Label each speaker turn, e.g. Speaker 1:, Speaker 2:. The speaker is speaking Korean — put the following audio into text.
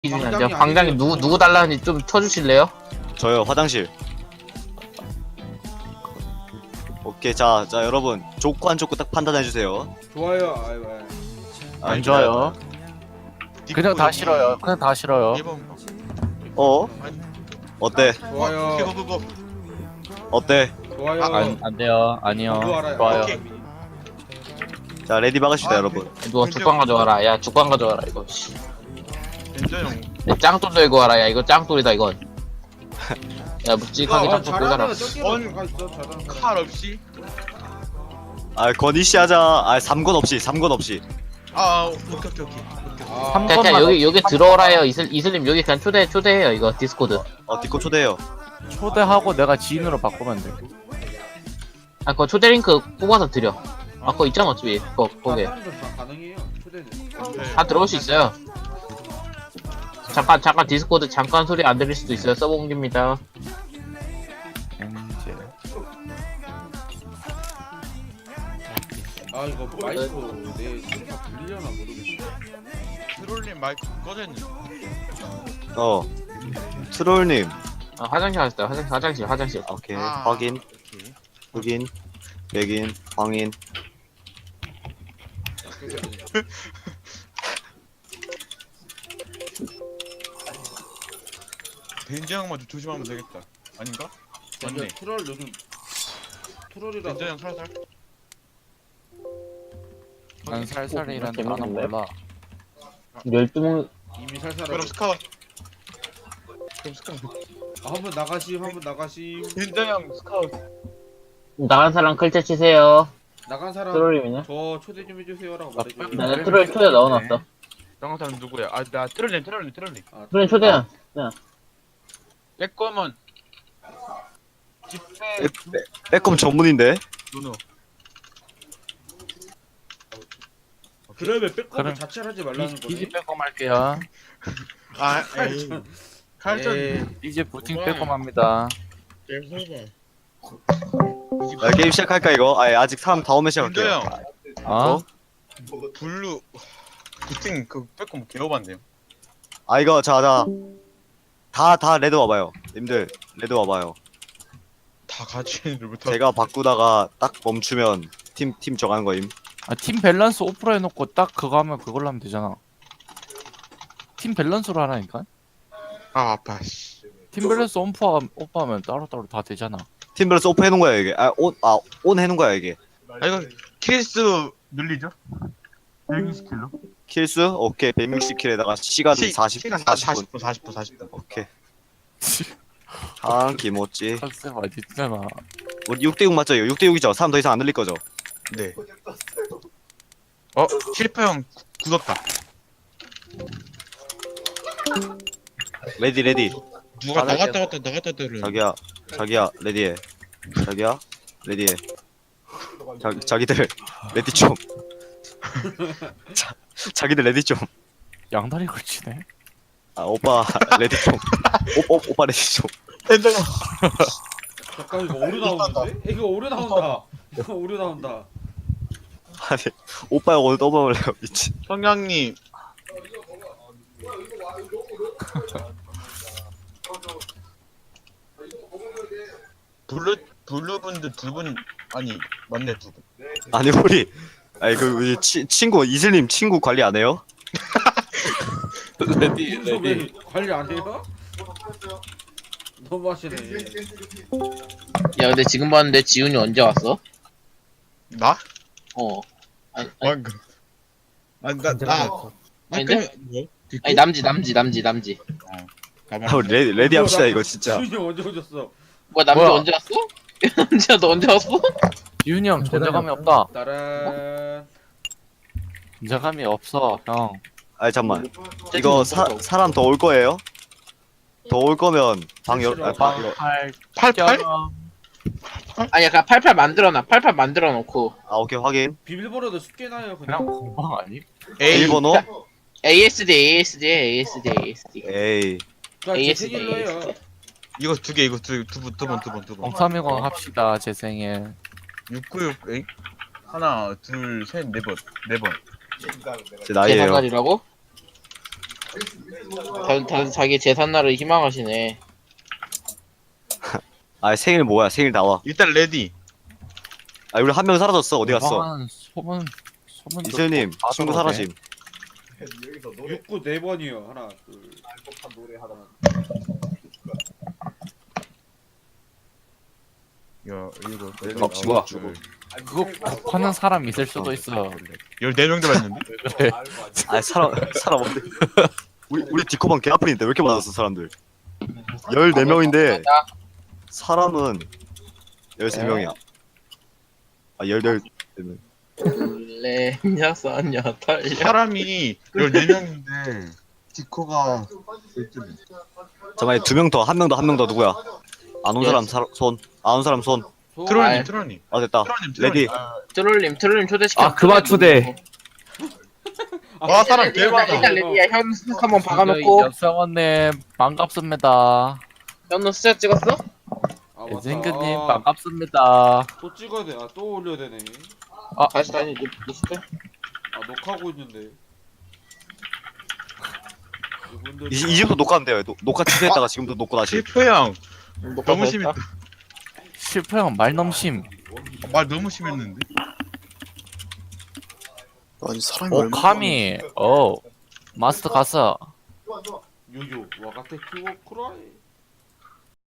Speaker 1: 이제 광장이 누구 달라는지 좀 쳐주실래요?
Speaker 2: 저요, 화장실. 오케이, 자 여러분 좋고 안 좋고 딱 판단해주세요.
Speaker 3: 좋아요. 아이고.
Speaker 4: 안 좋아요. 그냥 다 싫어요. 그냥 다 싫어요.
Speaker 2: 어? 어때?
Speaker 3: 좋아요.
Speaker 5: 그거
Speaker 2: 어때?
Speaker 3: 좋아요.
Speaker 4: 안 돼요. 아니요.
Speaker 3: 그거 알아요.
Speaker 4: 좋아요.
Speaker 5: 오케이.
Speaker 2: 자, 레디 박읍시다, 여러분.
Speaker 1: 누가 죽광 가져와라. 야 죽광 가져와라 이거. 씨.
Speaker 5: 괜찮아요.
Speaker 1: 야, 짱돌 들고 와라. 야 이거 짱돌이다 이건. 야 묵직하게 짱돌 들고라.
Speaker 5: 칼 없이?
Speaker 2: 아, 건이씨 하자. 아, 3건 없이.
Speaker 5: 오케이.
Speaker 3: 아,
Speaker 1: 그냥 여기 들어오라요. 이슬님 여기 그냥 초대해요 이거 디스코드.
Speaker 2: 디코 초대해요.
Speaker 4: 초대하고 내가 지인으로 바꾸면 돼.
Speaker 1: 아 그거 초대 링크 뽑아서 드려. 아 그거 있잖아 어차피 거기
Speaker 3: 사람들 다 가능해요. 초대는.
Speaker 1: 다 들어올 수 있어요. 잠깐 디스코드 잠깐 소리 안 들릴 수도 있어요. 서버 옮깁니다.
Speaker 4: 이제
Speaker 3: 아 이거 마이크 내 소리가 들리려나 모르겠네.
Speaker 5: 트롤님 마이크 꺼졌니?
Speaker 2: 트롤님.
Speaker 1: 아 화장실 갔어요. 화장실.
Speaker 2: 오케이,
Speaker 5: 아,
Speaker 2: 확인,
Speaker 5: 오케이.
Speaker 2: 확인, 맥인, 확인.
Speaker 5: 벤지 형만 좀 조심하면 되겠다. 아닌가? 맞네.
Speaker 3: 맞네. 트롤 요즘 트롤이라.
Speaker 5: 벤지 형 살살.
Speaker 4: 난 살살이란 단어 몰라.
Speaker 1: 12명
Speaker 3: 이미 살살.
Speaker 5: 그럼 스카웃.
Speaker 3: 한번 나가시.
Speaker 5: 벤지 형 스카웃.
Speaker 1: 나간 사람 클체 치세요.
Speaker 3: 나간 사람
Speaker 1: 트롤이면요?
Speaker 3: 저 초대 좀 해주세요라고 말해줘.
Speaker 1: 나 트롤 초대 넣어놨어.
Speaker 5: 나간 사람 누구야? 나 트롤님.
Speaker 3: 아,
Speaker 1: 트롤 초대야.
Speaker 5: 내 거면 집회
Speaker 2: 빼꼼 전문인데?
Speaker 5: 누누.
Speaker 3: 그러면 백업을
Speaker 4: 그럼
Speaker 3: 자체를 하지 말라는
Speaker 4: 이제
Speaker 3: 거네.
Speaker 4: 빼꼼 할게요.
Speaker 5: 에이. 칼전.
Speaker 4: 이제 부팅 빼꼼합니다.
Speaker 2: 야, 게임 시작할까, 이거? 아직 사람 다 오면
Speaker 5: 벤지
Speaker 2: 시작할게요.
Speaker 5: 형.
Speaker 4: 어?
Speaker 5: 블루. 부팅 그 빼꼼 개오반데요.
Speaker 2: 이거, 자. 다 레드 와봐요. 님들, 레드 와봐요.
Speaker 5: 다 같이 부터.
Speaker 2: 제가 바꾸다가 딱 멈추면 팀 정하는 거임.
Speaker 4: 팀 밸런스 오프로 해놓고 딱 그거 하면 그걸로 하면 되잖아. 팀 밸런스로 하라니까.
Speaker 5: 아파 씨.
Speaker 4: 팀 밸런스 오프하면 따로따로 다 되잖아.
Speaker 2: 팀 밸런스 오프 해놓은 거야, 이게. 온 해놓은 거야, 이게.
Speaker 5: 이거 킬수 늘리죠? 120킬로?
Speaker 2: 킬수? 오케이, 160킬에다가 시간 40분.
Speaker 5: 40분.
Speaker 2: 오케이. 기모찌.
Speaker 4: 컨셉 어딨잖아.
Speaker 2: 우리 6대6 맞죠? 이거 6대6이죠? 사람 더 이상 안 늘릴 거죠?
Speaker 5: 네. 실패형 굳었다.
Speaker 2: 레디.
Speaker 5: 누가
Speaker 4: 나갔다
Speaker 5: 나갔다 들을.
Speaker 2: 자기야, 레디해. 레디해. 자기들, 레디 좀. 자기들 레디 좀.
Speaker 4: 양다리 걸치네.
Speaker 2: 오빠, 레디 좀. 오빠 레디 좀.
Speaker 3: 잠깐 이거 오류 나오는데? 이거 오류 나온다. 이거 오류 나온다.
Speaker 2: 아니, 오빠가 오늘 떠먹을래요, 미친.
Speaker 5: 성냥님. 블루분들 두 분 아니 맞네 두 분.
Speaker 2: 아니, 우리 친구, 이슬님 친구 관리 안 해요?
Speaker 4: 레디
Speaker 3: 왜 관리 안 해요? 너무 하시네.
Speaker 1: 야 근데 지금 봤는데 지훈이 언제 왔어?
Speaker 5: 나?
Speaker 1: 아니
Speaker 5: 방금. 나.
Speaker 1: 아닌데?
Speaker 5: 뭐?
Speaker 1: 아니 남지.
Speaker 2: 우리 레디 합시다, 이거 진짜.
Speaker 3: 수인이 언제 오셨어?
Speaker 1: 뭐야 남지
Speaker 4: 뭐야?
Speaker 1: 언제 왔어? 남지야 너 언제 왔어?
Speaker 4: 지훈이 형 존재감이 없다.
Speaker 3: 따란.
Speaker 4: 존재감이 없어 형.
Speaker 2: 잠만. 이거 사람 더 올 거예요? 더 올 거면 방 열, 방,
Speaker 5: 팔팔?
Speaker 1: 아니야 그냥 88 만들어놔. 88 만들어놓고
Speaker 2: 오케이, 확인.
Speaker 3: 비밀번호도 쉽게 나요
Speaker 4: 그냥
Speaker 3: 그냥.
Speaker 4: 공방 아니?
Speaker 2: 일번호?
Speaker 1: ASD.
Speaker 2: 에이.
Speaker 3: 자, 제 생일로 해요.
Speaker 5: 이거 두 개, 이거 두 번.
Speaker 4: 0310 합시다 제 생일.
Speaker 5: 696, 에이? 하나, 둘, 셋, 네 번.
Speaker 2: 제 나이에요.
Speaker 1: 계산관이라고? 다들 자기 재산날을 희망하시네.
Speaker 2: 아 생일 뭐야? 생일 나와.
Speaker 5: 일단 레디.
Speaker 2: 아 우리 한 명 사라졌어. 어디 갔어?
Speaker 4: 이상한 소문
Speaker 2: 이슬님
Speaker 4: 다
Speaker 2: 친구
Speaker 4: 들어오네.
Speaker 2: 사라짐.
Speaker 3: 6구 4번이요. 하나, 둘.
Speaker 5: 야 이거
Speaker 1: 뭐야?
Speaker 4: 그거 하는 사람 있을 수도 있어.
Speaker 5: 14명 들어왔는데?
Speaker 4: 그래.
Speaker 2: 아 사람 없네. 우리 디코방 개 아픈인데 왜 이렇게 많았어 사람들? 14명인데 사람은 13명이야. 아 14명.
Speaker 1: 레냐 싸냐 달냐.
Speaker 5: 사람이 14명인데 디코가
Speaker 2: 잠깐만 2명 더, 한 명 더, 한 명 더 누구야? 안 온 사람 손. 안 온 사람 손.
Speaker 5: 트롤님 트롤님
Speaker 2: 아 됐다.
Speaker 5: 트롤님
Speaker 2: 레디.
Speaker 1: 트롤님 초대시켜.
Speaker 6: 아 그만 초대.
Speaker 5: 와 사람 개 많아.
Speaker 1: 일단 레디야 현우 한번 박아놓고.
Speaker 4: 여성원님 반갑습니다.
Speaker 1: 현우 숫자 찍었어?
Speaker 3: 아, 맞다.
Speaker 4: 생근님
Speaker 3: 아,
Speaker 4: 반갑습니다.
Speaker 3: 또 찍어야 돼. 아, 또 올려야 되네.
Speaker 1: 다시 리스트.
Speaker 3: 아, 녹화하고 있는데. 이분들
Speaker 2: 이제부터 녹화한대요. 녹화 취소했다가 지금부터 녹고 다시.
Speaker 5: 실프 형
Speaker 1: 녹화
Speaker 5: 너무
Speaker 1: 다
Speaker 5: 심했다.
Speaker 1: 했다.
Speaker 4: 실패형 말넘심.
Speaker 5: 말 너무 심했는데.
Speaker 7: 아니 사람이
Speaker 4: 오
Speaker 7: 얼마나
Speaker 4: 카미. 마스터 갔어.
Speaker 3: 요요 와가테 키워 쿠라이.